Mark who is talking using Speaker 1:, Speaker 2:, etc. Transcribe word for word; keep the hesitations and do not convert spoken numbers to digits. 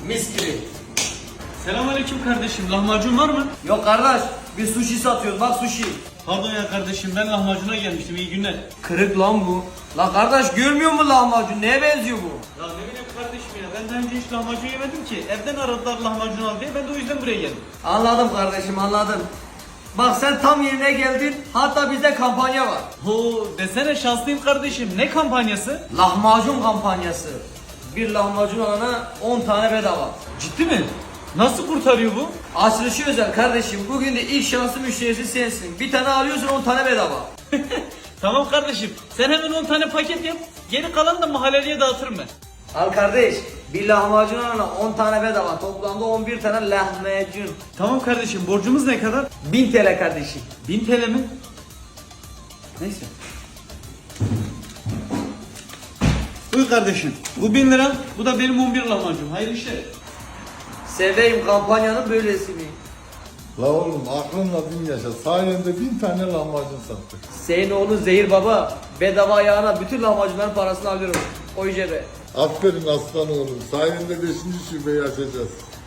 Speaker 1: Mis gibi.
Speaker 2: Selamünaleyküm kardeşim. Lahmacun var mı?
Speaker 1: Yok kardeş, biz sushi satıyoruz, bak sushi.
Speaker 2: Pardon ya kardeşim, ben lahmacuna gelmiştim. İyi günler.
Speaker 1: Kırık lan bu. Lan kardeş görmüyor musun lahmacun? Neye benziyor bu?
Speaker 2: Ya ne bileyim kardeşim ya. Ben daha önce hiç lahmacun yemedim ki. Evden aradılar lahmacun al diye. Ben de o yüzden buraya geldim.
Speaker 1: Anladım kardeşim, anladım. Bak sen tam yerine geldin. Hatta bizde kampanya var.
Speaker 2: Ho desene, şanslıyım kardeşim. Ne kampanyası?
Speaker 1: Lahmacun kampanyası. Bir lahmacun alana on tane bedava.
Speaker 2: Ciddi mi? Nasıl kurtarıyor bu?
Speaker 1: Açılışı özel kardeşim. Bugün de ilk şanslı müşterisi sensin. Bir tane alıyorsun, on tane bedava.
Speaker 2: Tamam kardeşim. Sen hemen on tane paket yap. Geri kalanı da mahalleliye dağıtırım ben.
Speaker 1: Al kardeş. Bir lahmacun alana on tane bedava. Toplamda on bir tane lahmacun.
Speaker 2: Tamam kardeşim. Borcumuz ne kadar?
Speaker 1: bin T L kardeşim.
Speaker 2: bin T L mi? Neyse. Buyur kardeşim. Bu bin lira. Bu da benim on bir lahmacun. Hayırlı işler.
Speaker 1: Seveyim kampanyanın böylesini.
Speaker 3: La oğlum aklınla bin yaşa. Sayende bin tane lahmacun sattık.
Speaker 1: Senin oğlun Zehir Baba bedava ayağına bütün lahmacunların parasını alıyorum. O cebe.
Speaker 3: Aferin aslan oğlum. Sayende beşinci şubeyi açacağız.